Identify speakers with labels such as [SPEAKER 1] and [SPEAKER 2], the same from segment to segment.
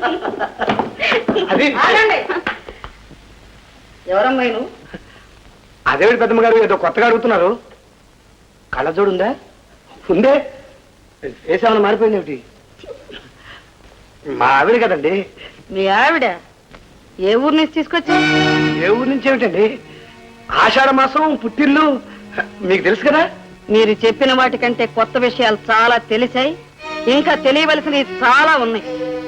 [SPEAKER 1] ఎవరమ్మాయి నువ్వు?
[SPEAKER 2] అదేమిటి పెద్దమ్మ గారు ఏదో కొత్తగా అడుగుతున్నారు? కళ్ళజోడు ఉందా? ఉందే. వేసేమన్నా మారిపోయింది ఏమిటి? మా ఆవిడ కదండి.
[SPEAKER 1] మీ ఆవిడ ఏ ఊరు నుంచి తీసుకొచ్చా?
[SPEAKER 2] ఏ ఊరు నుంచి ఏమిటండి? ఆషాఢ మాసం పుట్టిల్లు మీకు తెలుసు కదా.
[SPEAKER 1] మీరు చెప్పిన వాటికంటే కొత్త విషయాలు చాలా తెలిసాయి, ఇంకా తెలియవలసినవి చాలా ఉన్నాయి.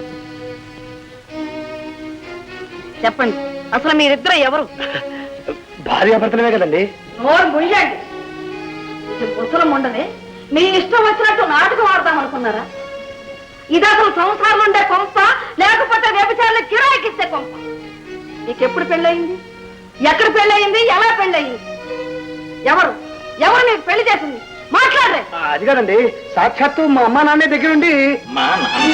[SPEAKER 1] చెప్పండి, అసలు మీరిద్దరు ఎవరు?
[SPEAKER 2] భార్యాభర్తలమే కదండి.
[SPEAKER 1] నోరు ముయ్యండి. ముసలం ఉండదే, మీ ఇష్టం వచ్చినట్టు నాటకం ఆడదాం అనుకున్నారా? ఇది అసలు సంసారం ఉండే కొంప, లేకపోతే వ్యభిచారులు కిరాయికిస్తే కొంప. నీకెప్పుడు పెళ్ళయింది? ఎక్కడ పెళ్ళయింది? ఎలా పెళ్ళయింది? ఎవరు ఎవరు నీకు పెళ్లి చేసింది? మాట్లాడరే.
[SPEAKER 2] అది కాదండి, సాక్షాత్తు మా అమ్మా నాన్నే దగ్గరుండి.
[SPEAKER 3] మా నాన్న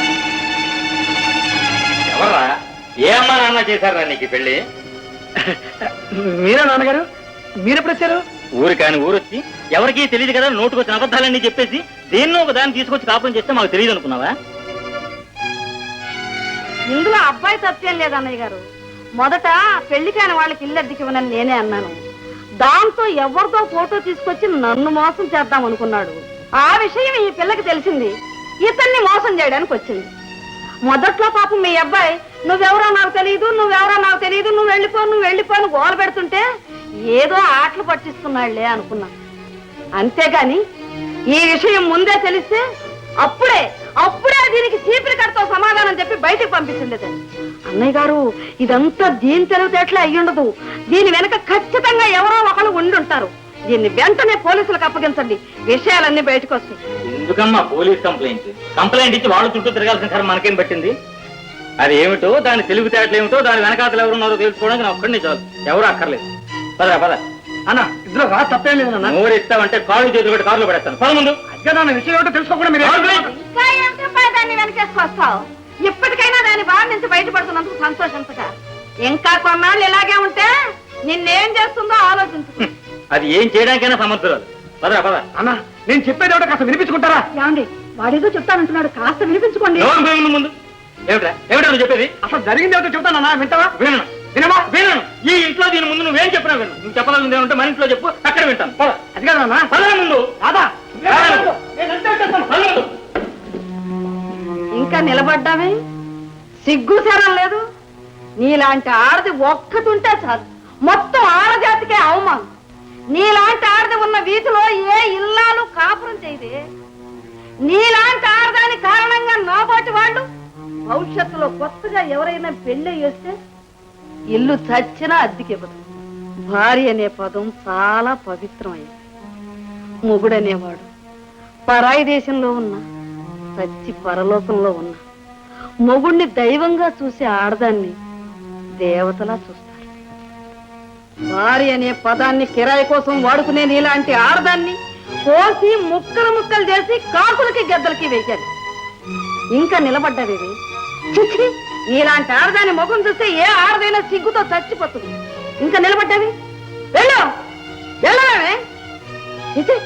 [SPEAKER 3] ఎవర్రా? ఏ అమ్మా నాన్న చేశారా నీకు పెళ్లి?
[SPEAKER 2] మీరా నాన్నగారు? మీరెప్పుడు వచ్చారు?
[SPEAKER 3] ఊరు కాని ఊరొచ్చి ఎవరికీ తెలియదు కదా, నోటుకొచ్చిన అబద్ధాలన్నీ చెప్పేసి దేన్నో ఒక దాన్ని తీసుకొచ్చి కాపురం చేస్తే మాకు తెలియదు అనుకున్నావా?
[SPEAKER 1] ఇందులో అబ్బాయి సత్యం లేదన్నయ్య గారు. మొదట పెళ్లి కాని వాళ్ళకి ఇల్లు అద్దెకివ్వనని నేనే అన్నాను. దాంతో ఎవరితో ఫోటో తీసుకొచ్చి నన్ను మోసం చేద్దాం అనుకున్నాడు. ఆ విషయం ఈ పిల్లకి తెలిసింది, ఇతన్ని మోసం చేయడానికి వచ్చింది. మొదట్లో పాపం మీ అబ్బాయి నువ్వెవరో నాకు తెలియదు, నువ్వెవరో నాకు తెలియదు, నువ్వు వెళ్ళిపోను గోల పెడుతుంటే ఏదో ఆటలు పట్టిస్తున్నాళ్లే అనుకున్నా. అంతేగాని ఈ విషయం ముందే తెలిస్తే అప్పుడే దీనికి చీపిరి కడతో సమాధానం చెప్పి బయటకు పంపించింది. అన్నయ్య గారు, ఇదంతా దీని తెలివితేటలే అయ్యుండదు. దీని వెనక ఖచ్చితంగా ఎవరో ఒకరు ఉండుంటారు. దీన్ని వెంటనే పోలీసులకు అప్పగించండి, విషయాలన్నీ బయటకు వస్తాయి.
[SPEAKER 3] ఎందుకమ్మా పోలీస్ కంప్లైంట్ ఇచ్చి వాళ్ళు చుట్టూ తిరగాల్సిన కరం మనకేం పట్టింది? అది ఏమిటో, దాని తెలివితేటలు ఏమిటో, దాని వెనకాతలు ఎవరున్నారో తెలుసుకోవడానికి నా ఒక్కడిని చాలు, ఎవరు అక్కర్లేదు. పద పద
[SPEAKER 2] అన్న, ఇందులో రా తప్పేం లేదు.
[SPEAKER 3] నోరు ఇస్తామంటే కాళ్ళు చేతులు పెట్టి కారులో పెడతాను. పద ముందు.
[SPEAKER 2] విషయం ఏంటో తెలుసుకోకుండా మీరు
[SPEAKER 1] ఇంకా ఎంత దాన్ని వెనకేసుకొస్తావు? ఇప్పటికైనా దాని బాధ నుంచి బయటపడుతున్నందుకు సంతోషించగా. ఇంకా కొన్నాళ్ళు ఇలాగే ఉంటే నిన్నేం చేస్తుందో ఆలోచించు.
[SPEAKER 3] అది ఏం చేయడానికైనా సమర్థురాలు. పద పద.
[SPEAKER 2] అన్న, నేను చెప్పేది ఏమిటో కాస్త వినిపించుకుంటారా?
[SPEAKER 1] ఏమండి, వాడేదో చెప్తానంటున్నాడు, కాస్త వినిపించుకోండి.
[SPEAKER 3] ముందు ఏమిటా నువ్వు చెప్పేది?
[SPEAKER 2] అసలు జరిగింది ఏమిటో చెప్తానన్నా, వింటావా?
[SPEAKER 3] వినను. ఈ ఇంట్లో దీని ముందు నువ్వేం చెప్పినా విను. నువ్వు చెప్పాలని ఉంటే మన ఇంట్లో చెప్పు, అక్కడ వింటాను.
[SPEAKER 2] అది కాదన్నా,
[SPEAKER 3] పద ముందు.
[SPEAKER 2] రాదా?
[SPEAKER 1] ఇంకా నిలబడ్డామే, సిగ్గు శరం లేదు. నీలాంటి ఆడది ఒక్కతుంటే చాలు, మొత్తం ఆడజాతికే అవమానం. నీలాంటి ఆడది ఉన్న వీధిలో ఏ ఇల్లాలు కాపురం చేయదే. నీలాంటి ఆడదాని కారణంగా నాబోటి వాళ్ళు భవిష్యత్తులో కొత్తగా ఎవరైనా పెళ్లి చేస్తే ఇల్లు చచ్చినా అద్దెకివ్వదు. భార్య అనే పదం చాలా పవిత్రమైంది. మొగుడనేవాడు పరాయి దేశంలో ఉన్న, చచ్చి పరలోకంలో ఉన్న మొగుడిని దైవంగా చూసే ఆడదాన్ని దేవతలా చూస్తారు. భార్య అనే పదాన్ని కిరాయి కోసం వాడుకునే నీలాంటి ఆడదాన్ని కోసి ముక్కలు చేసి కాకులకి గద్దలకి వేయాలి. ఇంకా నిలబడ్డావేవి? చిచ్చి, నీలాంటి ఆడదాని ముఖం చూస్తే ఏ ఆడదైనా సిగ్గుతో చచ్చిపోతుంది. ఇంకా నిలబడ్డావి? వెళ్ళవే. చిచ్చి,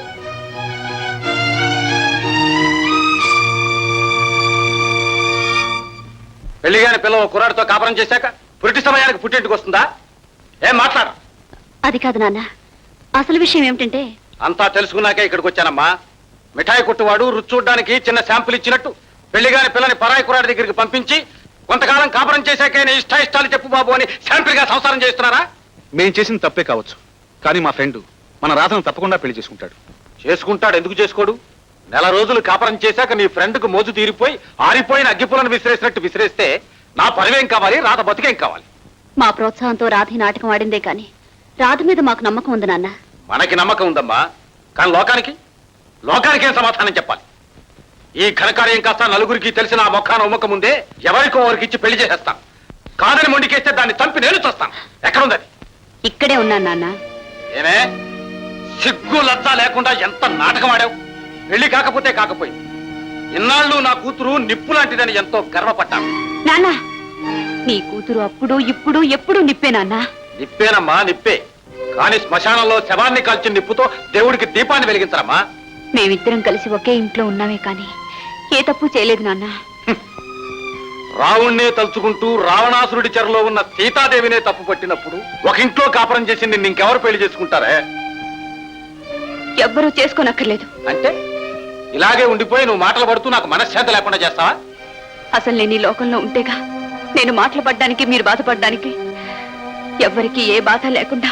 [SPEAKER 4] పెళ్లిగాని పిల్లవ కుర్రాడితో కాపురం చేశాక పురిటి సమయానికి పుట్టింటికి వస్తుందా? ఏం మాట్లాడు?
[SPEAKER 5] అది కాదు నాన్న, అసలు విషయం ఏమిటంటే,
[SPEAKER 4] అంతా తెలుసుకున్నాకే ఇక్కడికి వచ్చానమ్మా. మిఠాయి కొట్టువాడు రుచి చూడడానికి చిన్న శాంపుల్ ఇచ్చినట్టు పెళ్లిగాని పిల్లని పరాయి కుర్రాడి దగ్గరికి పంపించి కొంతకాలం కాపురం చేశాకే నీ ఇష్టాలు చెప్పు బాబు అని శాంపుల్ గా సంసారం చేస్తున్నారా?
[SPEAKER 6] మేం చేసిన తప్పే కావచ్చు, కానీ మా ఫ్రెండ్ మన రాధను తప్పకుండా పెళ్లి చేసుకుంటాడు.
[SPEAKER 4] చేసుకుంటాడు, ఎందుకు చేసుకోడు? నెల రోజులు కాపురం చేశాక నీ ఫ్రెండ్ కు మోజు తీరిపోయి ఆరిపోయిన అగ్గిపులను విసిరేసినట్టు విసిరేస్తే నా పరివేం కావాలి, రాధ బతికేం కావాలి?
[SPEAKER 5] మా ప్రోత్సాహంతో రాధ నాటకం ఆడిందే కాని రాధ మీద మాకు నమ్మకం ఉంది నాన్న.
[SPEAKER 4] మనకి నమ్మకం ఉందమ్మా, కానీ లోకానికి ఏం సమాధానం చెప్పాలి? ఈ ఘనకార్యం కాస్త నలుగురికి తెలిసిన ఆ మొక్కాన ఉమ్మకం ముందే ఎవరికో వారికి ఇచ్చి పెళ్లి చేసేస్తాను. కాదని మొండికేస్తే దాన్ని చంపి నేను చూస్తాను. ఎక్కడుంది?
[SPEAKER 5] ఇక్కడే ఉన్నాను నాన్న.
[SPEAKER 4] ఏమే, సిగ్గు లజ్జ లేకుండా ఎంత నాటకం ఆడావు! పెళ్లి కాకపోతే కాకపోయింది, ఇన్నాళ్ళు నా కూతురు నిప్పు లాంటిదని ఎంతో గర్వపడ్డాను.
[SPEAKER 5] నాన్న, నీ కూతురు అప్పుడు ఇప్పుడు ఎప్పుడు నిప్పే నాన్న.
[SPEAKER 4] నిప్పేనమ్మా, నిప్పే. కానీ శ్మశానంలో శవాన్ని కాల్చిన నిప్పుతో దేవుడికి దీపాన్ని వెలిగించరమ్మా.
[SPEAKER 5] మేమిద్దరం కలిసి ఒకే ఇంట్లో ఉన్నామే కానీ ఏ తప్పు చేయలేదు నాన్న.
[SPEAKER 4] రావణ్ణే తలుచుకుంటూ రావణాసురుడి చెరలో ఉన్న సీతాదేవినే తప్పు పట్టినప్పుడు ఒక ఇంట్లో కాపురం చేసి నిన్ను ఇంకెవరు పెళ్లి చేసుకుంటారే?
[SPEAKER 5] ఎవ్వరూ చేసుకోనక్కర్లేదు.
[SPEAKER 4] అంటే ఇలాగే ఉండిపోయి నువ్వు మాటలు పడుతూ నాకు మనశ్శాంతి లేకుండా చేస్తావా?
[SPEAKER 5] అసలు నేను ఈ లోకంలో ఉంటేగా నేను మాటలు పడ్డానికి, మీరు బాధపడ్డానికి. ఎవ్వరికి ఏ బాధ లేకుండా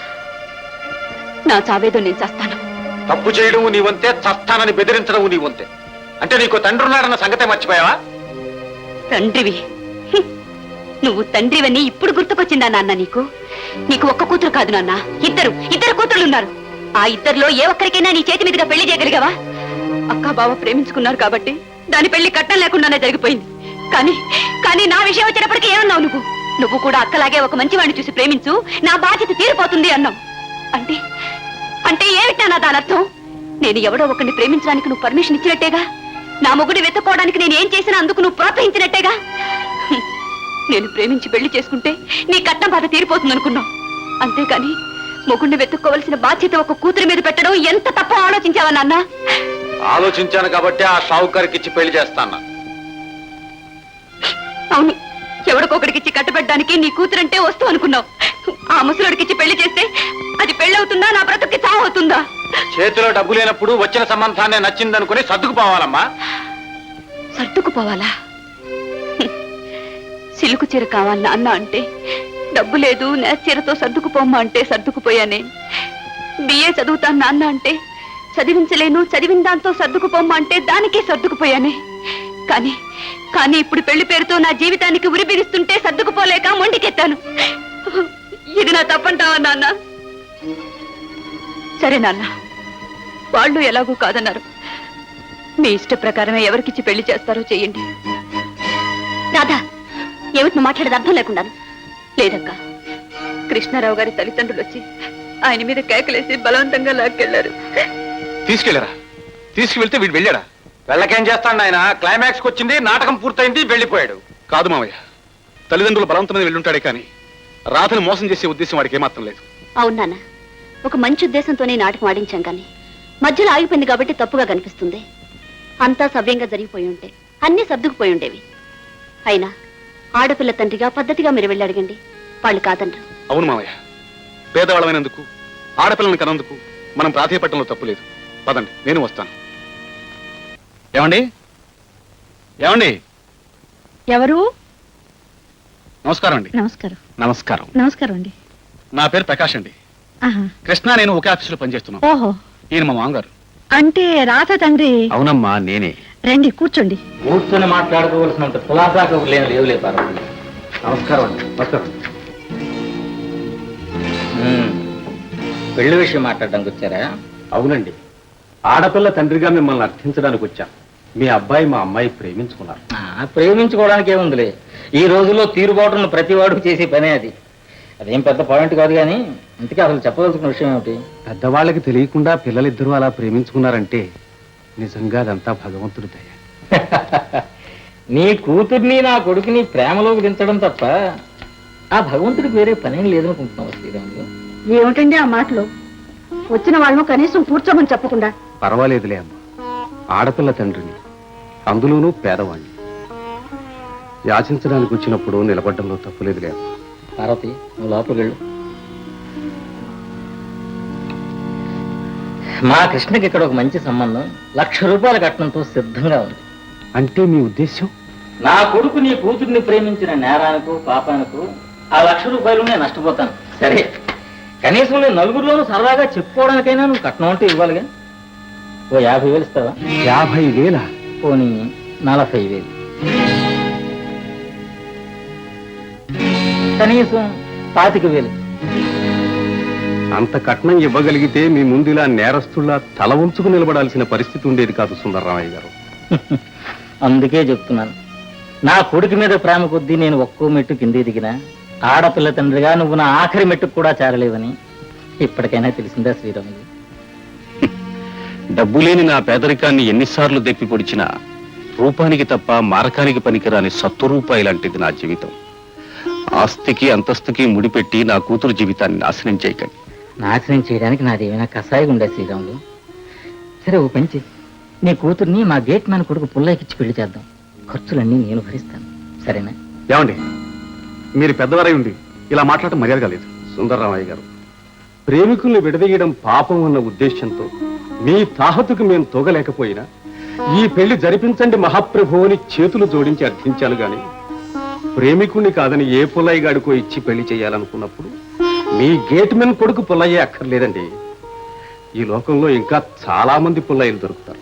[SPEAKER 5] నా చావేదో నేను చేస్తాను.
[SPEAKER 4] తప్పు చేయడం నీ వంతే, చస్తానని బెదిరించడం నీ వంతే. అంటే నీకు తండ్రి ఉన్నాడన్న సంగతే మర్చిపోయావా?
[SPEAKER 5] తండ్రివి? నువ్వు తండ్రివని ఇప్పుడు గుర్తుకొచ్చిందా నాన్న నీకు? నీకు ఒక్క కూతురు కాదు నాన్న, ఇద్దరు కూతురులు ఉన్నారు. ఆ ఇద్దరిలో ఏ ఒక్కరికైనా నీ చేతి మీదుగా పెళ్లి చేయగలిగావా? అక్క బావ ప్రేమించుకున్నారు కాబట్టి దాని పెళ్లి కట్టం లేకుండానే జరిగిపోయింది. కానీ నా విషయం వచ్చేటప్పటికి ఏమన్నావు నువ్వు కూడా అక్కలాగే ఒక మంచి వాడిని చూసి ప్రేమించు, నా బాధ్యత తీరిపోతుంది అన్నావు. అంటే ఏమిటా నా దాని అర్థం? నేను ఎవడో ఒకరిని ప్రేమించడానికి నువ్వు పర్మిషన్ ఇచ్చినట్టేగా. నా మొగుడి వెతుక్కోవడానికి నేను ఏం చేసినా అందుకు నువ్వు ప్రోత్సహించినట్టేగా. నేను ప్రేమించి పెళ్లి చేసుకుంటే నీ కట్నం బాధ తీరిపోతుంది అనుకున్నావు. అంతేకాని మొగుడిని వెతుక్కోవలసిన బాధ్యత ఒక కూతురి మీద పెట్టడం ఎంత తప్ప ఆలోచించావా నాన్న?
[SPEAKER 4] ఆలోచించాను కాబట్టి ఆ షావుకారికి ఇచ్చి పెళ్లి చేస్తాను.
[SPEAKER 5] అవును, ఎవడికొకడికిచ్చి కట్టబెట్టడానికి నీ కూతురంటే వస్తూ అనుకున్నావు. ఆ ముసలుడికిచ్చి పెళ్లి చేస్తే అది పెళ్ళవుతుందా, నా బ్రతుక్కి చావు అవుతుందా?
[SPEAKER 4] చేతిలో డబ్బు లేనప్పుడు వచ్చిన సంబంధాన్ని నచ్చిందనుకుని సర్దుకుపోవాలమ్మా.
[SPEAKER 5] సర్దుకుపోవాలా? సిలుకు చీర కావాలి నాన్న అంటే డబ్బు లేదు, నేచీరతో సర్దుకుపోమ్మా అంటే సర్దుకుపోయానే. బిఏ చదువుతాను నాన్న అంటే చదివించలేను, చదివిన దాంతో సర్దుకుపోమ్మా అంటే దానికే సర్దుకుపోయానే. కానీ ఇప్పుడు పెళ్లి పేరుతో నా జీవితానికి ఉరి బిగిస్తుంటే సర్దుకుపోలేక మొండికెత్తాను. ఇది నా తప్పంటావా నాన్న? సరే నాన్న, వాళ్ళు ఎలాగూ కాదన్నారు. మీ ఇష్ట ప్రకారమే ఎవరికిచ్చి పెళ్లి చేస్తారో చెయ్యండి. రాధా, ఏమిటి నువ్వు మాట్లాడేది అర్థం లేకుండా? లేదక్క, కృష్ణారావు గారి తల్లిదండ్రులు వచ్చి ఆయన మీద కేకలేసి బలవంతంగా లాక్కెళ్లారు.
[SPEAKER 6] తీసుకెళ్లారా? తీసుకువెళ్తే వీడు వెళ్ళాడా?
[SPEAKER 4] వెళ్ళకేం చేస్తాడు ఆయన? క్లైమాక్స్కి వచ్చింది, నాటకం పూర్తయింది, వెళ్ళిపోయాడు.
[SPEAKER 6] కాదు మావయ్య, తల్లిదండ్రులు బలవంతం మీద వెళ్ళుంటాడే కానీ రాధను మోసం చేసే ఉద్దేశం వాడికి ఏమాత్రం లేదు.
[SPEAKER 5] అవును నాన్న, ఒక మంచి ఉద్దేశంతోనే నాటకం ఆడించాం కానీ మధ్యలో ఆగిపోయింది కాబట్టి తప్పుగా కనిపిస్తుంది. అంతా సవ్యంగా జరిగిపోయి ఉంటే అన్నీ సర్దుకుపోయి ఉండేవి. అయినా ఆడపిల్ల తండ్రిగా పద్ధతిగా మీరు వెళ్ళి అడగండి, వాళ్ళు కాదనరు.
[SPEAKER 6] అవును మావయ్య, పేదవాళ్ళమైనందుకు ఆడపిల్లని కనందుకు మనం ప్రాధాన్యపట్టడంలో తప్పు లేదు. పదండి, నేను వస్తాను. ఏమండి?
[SPEAKER 1] ఎవరు?
[SPEAKER 6] నమస్కారం అండి.
[SPEAKER 1] నమస్కారం.
[SPEAKER 6] నమస్కారం.
[SPEAKER 1] నమస్కారం అండి.
[SPEAKER 6] నా పేరు ప్రకాష్ అండి. కృష్ణ నేను ఒకే ఆఫీసులో పనిచేస్తున్నాం.
[SPEAKER 1] ఓహో,
[SPEAKER 6] ఈయన మా మామగారు.
[SPEAKER 1] అంటే రాధ తండ్రి?
[SPEAKER 6] అవునమ్మా, నేనే.
[SPEAKER 1] రండి, కూర్చోండి.
[SPEAKER 3] కూర్చొని మాట్లాడుకోవాల్సినంత కులాసాకు లేవులే పార్వతి.
[SPEAKER 2] నమస్కారం అండి. నమస్కారం.
[SPEAKER 3] పెళ్లి విషయం మాట్లాడడానికి వచ్చారా?
[SPEAKER 2] అవునండి, ఆడపిల్ల తండ్రిగా మిమ్మల్ని అర్థించడానికి వచ్చాం. మీ అబ్బాయి మా అమ్మాయి ప్రేమించుకున్నారు.
[SPEAKER 3] ప్రేమించుకోవడానికి ఏముందిలే, ఈ రోజుల్లో తీరుబాటును ప్రతి వాడు చేసే పనే అది. అదేం పెద్ద పాయింట్ కాదు కానీ ఇంతకీ అసలు చెప్పవలసిన విషయం ఏమిటి?
[SPEAKER 2] పెద్దవాళ్ళకి తెలియకుండా పిల్లలిద్దరూ అలా ప్రేమించుకున్నారంటే నిజంగా అదంతా భగవంతుడి దయ.
[SPEAKER 3] నీ కూతుర్ని నా కొడుకుని ప్రేమలోకి దించడం తప్ప ఆ భగవంతుడికి వేరే పనేం లేదనుకుంటున్నావు శ్రీరాములు.
[SPEAKER 1] ఏమిటండి ఆ మాటలు? వచ్చిన వాళ్ళను కనీసం కూర్చోమని చెప్పకుండా.
[SPEAKER 2] పర్వాలేదులే అమ్మ, ఆడపిల్ల తండ్రిని, అందులోనూ పేదవాణ్ణి. యాచించడానికి వచ్చినప్పుడు నిలబడ్డంలో తప్పులేదులే అమ్మ.
[SPEAKER 3] పార్వతి, నువ్వు లోపలికి వెళ్ళు. మా కృష్ణకి ఇక్కడ ఒక మంచి సంబంధం, 1,00,000 రూపాయల కట్నంతో సిద్ధంగా ఉంది.
[SPEAKER 2] అంటే మీ ఉద్దేశం?
[SPEAKER 3] నా కొడుకు నీ కూతుర్ని ప్రేమించిన నేరానికి పాపానికి ఆ 1,00,000 రూపాయలు నేను నష్టపోతాను. సరే, కనీసం నేను నలుగురిలోనూ సరదాగా చెప్పుకోవడానికైనా నువ్వు కట్నం అంటే ఇవ్వాలిగా. ఓ 50,000 ఇస్తావా?
[SPEAKER 2] 50,000?
[SPEAKER 3] పోనీ 40,000. కనీసం 25,000.
[SPEAKER 2] అంత కట్నం ఇవ్వగలిగితే మీ ముందు ఇలా నేరస్తుల్లా తల ఉంచుకు నిలబడాల్సిన పరిస్థితి ఉండేది కాదు సుందరరామయ్య గారు.
[SPEAKER 3] అందుకే చెప్తున్నాను, నా కొడుకు మీద ప్రేమ కొద్దీ నేను ఒక్కో మెట్టు కిందే దిగినా ఆడపిల్ల తండ్రిగా నువ్వు నా ఆఖరి మెట్టుకు కూడా చేరలేవని ఇప్పటికైనా తెలిసిందా శ్రీరాములు?
[SPEAKER 7] డబ్బు లేని నా పేదరికాన్ని ఎన్నిసార్లు దెప్పి పొడిచినా రూపానికి తప్ప మారకానికి పనికిరాని సత్వరూపాయి లాంటిది నా జీవితం. ఆస్తికి అంతస్తుకి ముడిపెట్టి నా కూతురు జీవితాన్ని నాశనం చేయకండి.
[SPEAKER 3] నాశనం చేయడానికి నాదేమైనా కషాయం ఉండే శ్రీరాములు? సరే, ఓ పంచి, నీ కూతుర్ని మా గేట్ మ్యాన్ కొడుకు పుల్లయ్యకిచ్చి పెళ్లి చేద్దాం. ఖర్చులన్నీ నేను భరిస్తాను. సరేనా?
[SPEAKER 6] ఏమండి, మీరు పెద్దవారై ఉండి ఇలా మాట్లాడటం మర్యాద కాలేదు.
[SPEAKER 7] సుందరరామయ్య గారు, ప్రేమికుల్ని విడదీయడం పాపం అన్న ఉద్దేశంతో మీ తాహతుకు మేము తోగలేకపోయినా ఈ పెళ్లి జరిపించండి మహాప్రభు అని చేతులు జోడించి అర్థించాను గాని ప్రేమికుణ్ణి కాదని ఏ పుల్లయ్య గాడికో ఇచ్చి పెళ్లి చేయాలనుకున్నప్పుడు మీ గేట్ మెన్ కొడుకు పుల్లయ్యే అక్కర్లేదండి. ఈ లోకంలో ఇంకా చాలా మంది పుల్లయ్యలు దొరుకుతారు.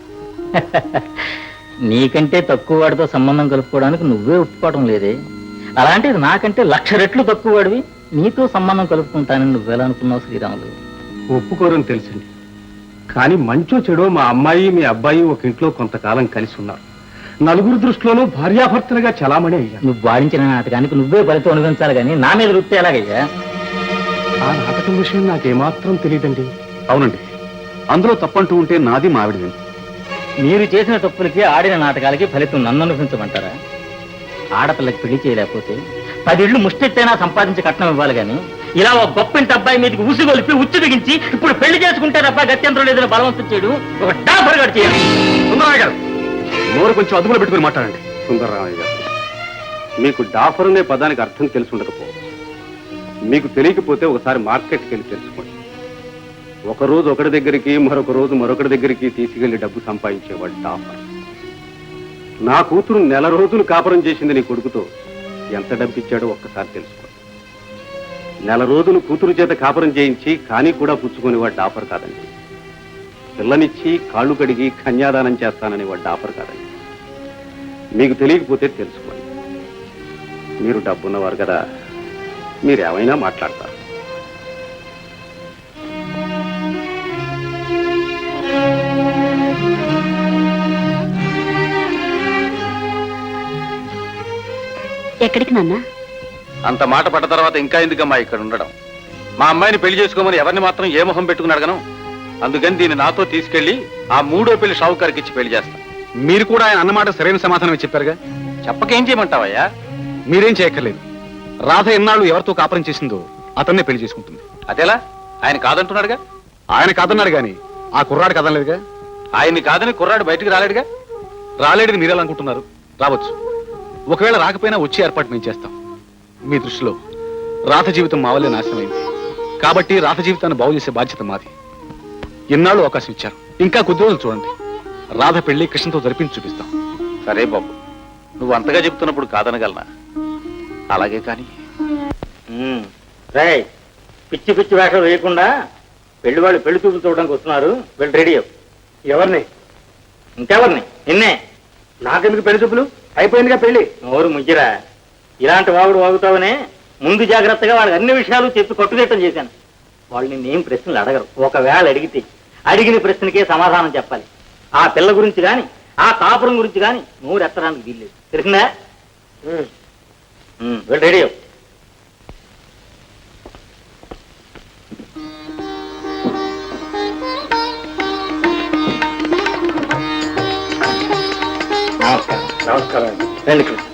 [SPEAKER 3] నీకంటే తక్కువ వాడితో సంబంధం కలుపుకోవడానికి నువ్వే ఒప్పుకోవడం లేదే. అలాంటిది నాకంటే 1,00,000 రెట్లు తక్కువ వాడివి నీతో సంబంధం కలుపుకుంటానని నువ్వెలా అనుకున్నావు శ్రీరాములు?
[SPEAKER 7] ఒప్పుకోరని తెలుసండి, కానీ మంచో చెడో మా అమ్మాయి మీ అబ్బాయి ఒక ఇంట్లో కొంతకాలం కలిసి ఉన్నారు. నలుగురు దృష్టిలోనూ భార్యాభర్తలుగా చలామణి అయ్యారు.
[SPEAKER 3] నువ్వు వాడించిన నాటకానికి నువ్వే ఫలితం అనుభవించాలి కానీ నా మీద వృత్తి ఎలాగయ్యా?
[SPEAKER 7] ఆ నాటకం విషయం నాకేమాత్రం తెలియదండి.
[SPEAKER 6] అవునండి, అందులో తప్పంటూ ఉంటే నాది మావిడిది.
[SPEAKER 3] మీరు చేసిన తప్పులకి ఆడిన నాటకాలకి ఫలితం నన్ను అనుభవించమంటారా? ఆడపిల్లకి పెళ్లి చేయలేకపోతే 10 ఇళ్ళు ముష్టెత్తైనా సంపాదించి కట్నం ఇవ్వాలి కానీ ఇలా ఒక గొప్పింటి అబ్బాయి మీదకి ఉసిగొలిపి ఉచ్చు బిగించి ఇప్పుడు పెళ్లి చేసుకుంటే తప్ప గత్యంతరం లేదని బలవంతం చేయడం ఒక డాబర్ గారు చేయాలి.
[SPEAKER 6] సుందరరామయ్య గారు, నోరు కొంచెం అదుపులో పెట్టుకుని మాట్లాడండి.
[SPEAKER 7] సుందరరామయ్య గారు, మీకు డాఫర్ అనే పదానికి అర్థం తెలిసి ఉండకపోవచ్చు. మీకు తెలియకపోతే ఒకసారి మార్కెట్కి వెళ్ళి తెలుసుకోండి. ఒక రోజు ఒకటి దగ్గరికి, మరొక రోజు మరొకటి దగ్గరికి తీసుకెళ్లి డబ్బు సంపాదించేవాడు డాఫర్. నా కూతురు 1 రోజులు కాపురం చేసింది నీ కొడుకుతో. ఎంత డబ్బు ఇచ్చాడో ఒక్కసారి తెలుసుకోండి. 1 రోజులు కూతురు చేత కాపురం చేయించి కానీ కూడా పుచ్చుకునేవాడు డాఫర్ కాదండి. పిల్లనిచ్చి కాళ్ళు కడిగి కన్యాదానం చేస్తానని వాడు డాఫర్ కాదండి. మీకు తెలియకపోతే తెలుసుకోండి. మీరు డబ్బున్నవారు కదా, మీరేమైనా మాట్లాడతారు.
[SPEAKER 5] ఎక్కడికి నాన్న?
[SPEAKER 4] అంత మాట పడ్డ తర్వాత ఇంకా ఎందుకమ్మా ఇక్కడ ఉండడం? మా అమ్మాయిని పెళ్లి చేసుకోమని ఎవరిని మాత్రం ఏ మొహం పెట్టుకుని అడగను. అందుకని దీన్ని నాతో తీసుకెళ్లి ఆ 3వ పెళ్లి షావుకారికి ఇచ్చి పెళ్లి చేస్తాను.
[SPEAKER 6] మీరు కూడా ఆయన అన్నమాట సరైన సమాధానమే చెప్పారుగా.
[SPEAKER 4] చెప్పకేం చేయమంటావయ్యా?
[SPEAKER 6] మీరేం చేయక్కర్లేదు. రాధ ఎన్నాళ్ళు ఎవరితో కాపురం చేసిందో అతన్నే పెళ్లి చేసుకుంటుంది.
[SPEAKER 4] అదేలా? ఆయన కాదంటున్నాడుగా.
[SPEAKER 6] ఆయన కాదన్నాడు గాని ఆ కుర్రాడు కదనలేదుగా.
[SPEAKER 4] ఆయన్ని కాదని కుర్రాడు బయటికి రాలేడుగా.
[SPEAKER 6] రాలేడని మీరెలా అనుకుంటున్నారు? రావచ్చు. ఒకవేళ రాకపోయినా వచ్చే ఏర్పాటు మేము చేస్తాం. మీ దృష్టిలో రాధ జీవితం మా వల్లే నాశనమైంది కాబట్టి రాధ జీవితాన్ని బాగు చేసే బాధ్యత మాది. ఎన్నాళ్ళు అవకాశం ఇచ్చారు, ఇంకా కొద్ది రోజులు చూడండి. రాధ పెళ్లి కృష్ణతో జరిపించి చూపిస్తాం.
[SPEAKER 4] సరే బాబు, నువ్వు అంతగా చెప్తున్నప్పుడు కాదనగలనా? అలాగే కానీ
[SPEAKER 3] పిచ్చి పిచ్చి వేషాలు వేయకుండా పెళ్లి వాళ్ళు పెళ్లి చూపులు చూడడానికి వస్తున్నారు. వెళ్ళి రెడీ అవ్వు.
[SPEAKER 2] ఎవరిని?
[SPEAKER 3] ఇంకెవరిని? నిన్నే.
[SPEAKER 2] నాకెందుకు పెళ్లి చూపులు? అయిపోయిందిగా పెళ్లి.
[SPEAKER 3] నోరు ముగ్గిరా. ఇలాంటి వాగుడు వాగుతావనే ముందు జాగ్రత్తగా వాళ్ళకి అన్ని విషయాలు చెప్పి కట్టుదిట్టం చేశాను. వాళ్ళు నిన్నేం ప్రశ్నలు అడగరు. ఒకవేళ అడిగితే అడిగిన ప్రశ్నకే సమాధానం చెప్పాలి. ఆ పిల్ల గురించి గాని ఆ కాపురం గురించి గాని నోరు ఎత్తడానికి వీల్లేదు. తెలిసిందా? వెళ్ళి రెడీ అవ్వు.
[SPEAKER 2] నమస్కారం.
[SPEAKER 3] రండి కృష్ణ.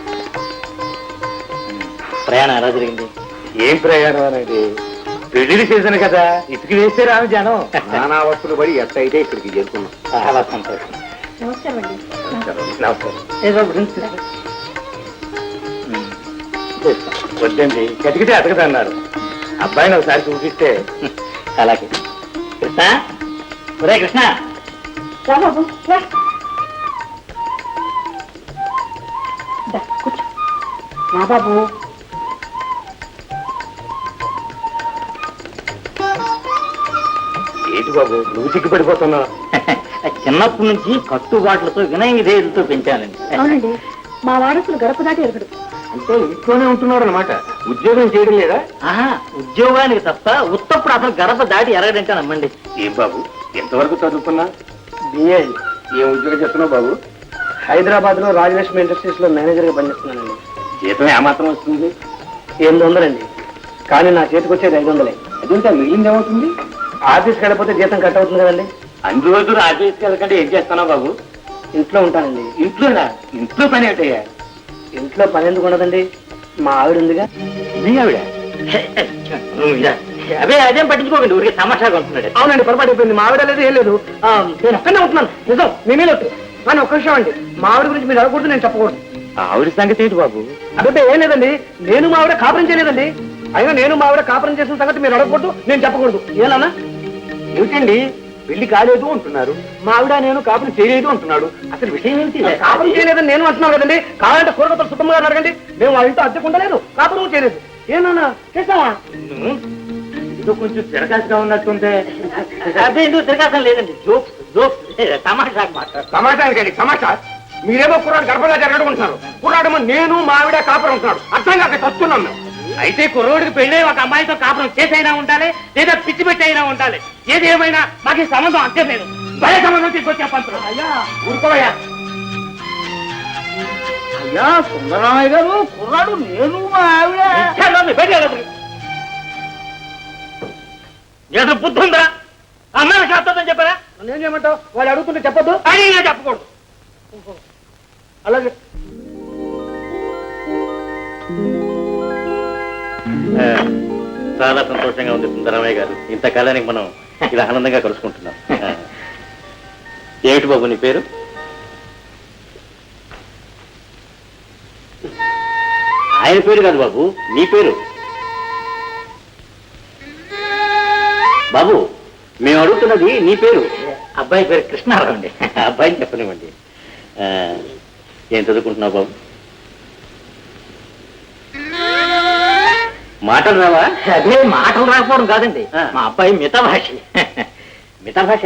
[SPEAKER 3] ప్రయాణం ఎలా జరిగింది?
[SPEAKER 2] ఏం ప్రయాణం అనేది? పెళ్లి సీజన్ కదా, ఇటుకి వేస్తే రాను జనం. నానా వస్తువులు పడి ఎట్టయితే ఇక్కడికి చేరుకున్నాం.
[SPEAKER 3] చాలా సంతోషం.
[SPEAKER 2] నమస్కారం. వద్దండి, కతికితే అతకదన్నారు. అబ్బాయిని ఒకసారి చూపిస్తే.
[SPEAKER 3] అలాగే. కృష్ణ, ఒరే కృష్ణ.
[SPEAKER 1] బాబు
[SPEAKER 2] ఏంటి బాబు నువ్వు సిగ్గుపడిపోతున్నావు?
[SPEAKER 3] చిన్నప్పటి నుంచి కట్టుబాట్లతో వినయ విధేయులతో పెంచానండి.
[SPEAKER 1] అవునండి, మా వారసులు గడప దాటి ఎరగడు.
[SPEAKER 2] అంటే ఇంట్లోనే ఉంటున్నారు అనమాట, ఉద్యోగం చేయడం లేదా?
[SPEAKER 3] ఆహా, ఉద్యోగానికి తప్ప ఉత్తప్పుడు అసలు గడప దాటి ఎరగడంటే నమ్మండి.
[SPEAKER 2] ఏం బాబు ఎంతవరకు చదువుకున్నా? బిఏ. ఏం ఉద్యోగం చేస్తున్నావు బాబు? హైదరాబాద్ లో రాజలక్ష్మి ఇండస్ట్రీస్ లో మేనేజర్ గా పనిచేస్తున్నానండి. జీతం ఏమాత్రం వస్తుంది? 800 అండి. కానీ నా చేతికి వచ్చేది 500. అదేంటే మిగిలింది ఏమవుతుంది? ఆఫీస్కి వెళ్ళకపోతే జీతం కట్ అవుతుంది కదండి. అన్ని రోజులు ఆఫీస్కి వెళ్ళకంటే ఏం చేస్తున్నావు బాబు? ఇంట్లో ఉంటానండి. ఇంట్లోనా? ఇంట్లో పని ఏంటయ్యా? ఇంట్లో పని ఎందుకు ఉండదండి, మా ఆవిడ ఉందిగా. మీ ఆవిడ?
[SPEAKER 3] అదే అదేం పట్టించుకోకండి, ఊరికి తమాషాగా ఉంటున్నాడు.
[SPEAKER 2] అవునండి, పొరపాటు అయిపోయింది. మా ఆవిడ లేదు, ఏం లేదు. నేను ఒక్కనే ఉంటున్నాను. నిజం, నేనే లేదు. కానీ ఒక్క విషయం అండి, మా ఆవిడ గురించి మీరు అడగకూడదు, నేను చెప్పకూడదు.
[SPEAKER 3] ఆవిడ సంగతి ఏంటి బాబు?
[SPEAKER 2] అదే ఏం లేదండి, నేను మా ఆవిడ కాపురం చేయలేదండి. అయినా నేను మా ఆవిడ కాపురం చేసిన సంగతి మీరు అడగకూడదు, నేను చెప్పకూడదు. ఏనా?
[SPEAKER 3] ఏమిటండి పెళ్లి కాలేదు అంటున్నారు, మా ఆవిడ నేను కాపురం చేయలేదు అంటున్నాడు. అసలు విషయం ఏంటి?
[SPEAKER 2] కాపురం చేయలేదని నేను అంటున్నాను కదండి. కావాలంటే కూరగతలు సుఖంగా అడగండి. మేము వాళ్ళ ఇంట్లో అద్దెకు ఉండలేదు, కాపురం చేయలేదు. ఏనా చేసావా?
[SPEAKER 3] ఏదో కొంచెం తిరగాసుగా ఉన్నట్టుంటే. అదే ఎందుకు తిరగాసం లేదండి, జోక్స్ జోక్స్ తమాషా మాట.
[SPEAKER 2] సమాచారానికి సమాచారం. మీరేమో కుర్రాడు గర్భంగా జరగడుకుంటున్నారు. కుర్రాడేమో నేను మా ఆవిడ కాపురం ఉంటున్నాడు. అర్థం కాక వస్తున్నాం మేము.
[SPEAKER 3] అయితే కుర్రోడికి పెళ్ళే ఒక అమ్మాయితో కాపురం చేసైనా ఉండాలి, లేదా పిచ్చి పెట్టి అయినా ఉండాలి. ఏది ఏమైనా మాకు ఈ సంబంధం అర్థం లేదు. భయ సంబంధం తీసుకొచ్చే పంతులు.
[SPEAKER 2] అయ్యా ఊరుకోవయ్యా.
[SPEAKER 3] అయ్యా సుందరరామయ్య గారు, కుర్రాడు నేను మా ఆవిడ. ఏదో బుద్ధి ఉందా? అమ్మాయి శాస్త్రం చెప్పారా?
[SPEAKER 2] నేనేం చేయమంటావు? వాళ్ళు అడుగుతుంటే చెప్పొద్దు
[SPEAKER 3] అని నేను చెప్పకూడదు.
[SPEAKER 2] అలాగే.
[SPEAKER 3] చాలా సంతోషంగా ఉంది సుందరమయ్య గారు, ఇంతకాలానికి మనం ఇలా ఆనందంగా కలుసుకుంటున్నాం. ఏమిటి బాబు నీ పేరు? ఆయన పేరు కాదు బాబు, నీ పేరు. బాబు మేము అడుగుతున్నది నీ పేరు. అబ్బాయి పేరు కృష్ణారావు అండి. అబ్బాయిని చెప్పనివ్వండి. ఏం చదువుకుంటున్నావు బాబు? మాటలు రావా? అదే మాటలు రాకపోవడం కాదండి, మా అబ్బాయి మితభాష. మితభాష?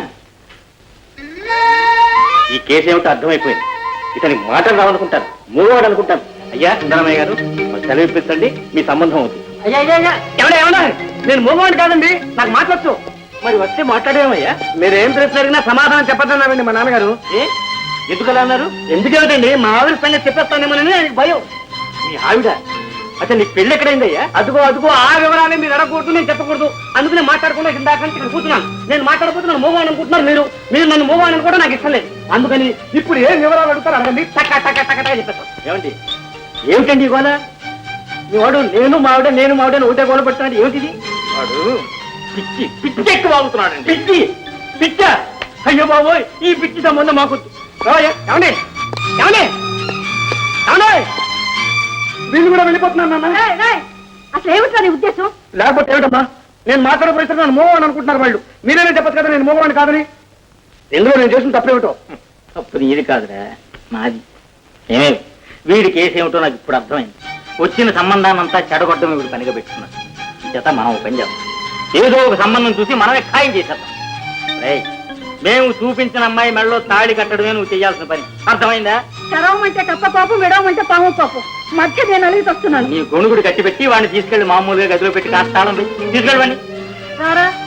[SPEAKER 3] ఈ కేసు ఏమిటో అర్థమైపోయింది. ఇతనికి మాటలు రావనుకుంటాను, మూడవాడు అనుకుంటాను. అయ్యా సుందరమయ్య గారు సెలవు ఇప్పించండి, మీ సంబంధం అవుతుంది.
[SPEAKER 2] అయ్యా అయ్యా అయ్యా ఎవడా ఏమన్నా? నేను మూగవాడిని కాదండి, నాకు మాట్లాడచ్చు.
[SPEAKER 3] మరి వస్తే మాట్లాడేమయ్యా?
[SPEAKER 2] మీరు ఏం ప్రశ్న అడిగినా సమాధానం చెప్పద్దన్నారండి మా నాన్నగారు.
[SPEAKER 3] ఎందుకలా అన్నారు?
[SPEAKER 2] ఎందుకేమిటండి, మా ఆవిడ సంగతి చెప్పేస్తానేమోనని ఆయనకు భయం.
[SPEAKER 3] మీ ఆవిడ? అసలు నీ పెళ్ళి ఎక్కడైందయ్యా?
[SPEAKER 2] అదుగో అదుగో ఆ వివరాన్ని మీరు అడగకూడదు, నేను చెప్పకూడదు. అందుకనే మాట్లాడకుండా ఇందాక ఇక్కడ కూర్చున్నాను. నేను మాట్లాడకపోతే నన్ను మూగవాణి అనుకుంటున్నారు మీరు. మీరు నన్ను మూగవాణి కూడా నాకు ఇష్టం లేదు. అందుకని ఇప్పుడు ఏం వివరాలు అడుగుతారు అడగండి, టక్క టక్క టక్క టక్క చెప్పేస్తాను.
[SPEAKER 3] ఏమండి ఏమిటండి గోల?
[SPEAKER 2] మీ వాడు నేను మావిడ నేను మావిడని ఒకటే గోల పెడుతున్నాడు. ఏమిటిది?
[SPEAKER 3] వాడు పిచ్చి పిచ్చి ఎక్కువ అవుతున్నాడండి.
[SPEAKER 2] పిచ్చి పిచ్చ? అయ్యో బాబోయ్, ఈ పిచ్చి సంబంధం మాకు ఏమండి ఏమండి ఏమండి వీళ్ళు కూడా వెళ్ళిపోతున్నాను నాన్న.
[SPEAKER 1] అసలు ఏమిట్రా నీ ఉద్దేశం?
[SPEAKER 2] లేకపోతే ఏమిటమ్మా, నేను మాట్లాడకపోతే నన్ను మూగవాణి అనుకుంటున్నారు వాళ్ళు. మీరేనే చెప్పచ్చు కదా నేను మూగవాణి కాదని. ఎందులో నేను చేసిన తప్పేమిటో?
[SPEAKER 3] తప్పు నీది కాదురా, నాది. ఏమే వీడి కేసు ఏమిటో నాకు ఇప్పుడు అర్థమైంది. వచ్చిన సంబంధాన్నంతా చెడగొట్టడం వీడు పనిగా పెట్టుకున్నాడు. చేత మనం ఒక పని చేద్దాం, ఏదో ఒక సంబంధం చూసి మనమే ఖాయం చేసేద్దాం. రేయ్, మేము చూపించిన అమ్మాయి మెడలో తాళి కట్టడమే నువ్వు చేయాల్సిన పని, అర్థమైందా?
[SPEAKER 1] చరవమంటే కప్ప పాపం, విడవమంటే పాము పాపం. మధ్య నేను అలిగి వస్తున్నాను.
[SPEAKER 3] నీ గొణుగుడు కట్టి పెట్టి వాడిని తీసుకెళ్లి మామూలుగా గదిలో పెట్టి కాస్త తాళం తీసుకెళ్ళండి.
[SPEAKER 1] రారా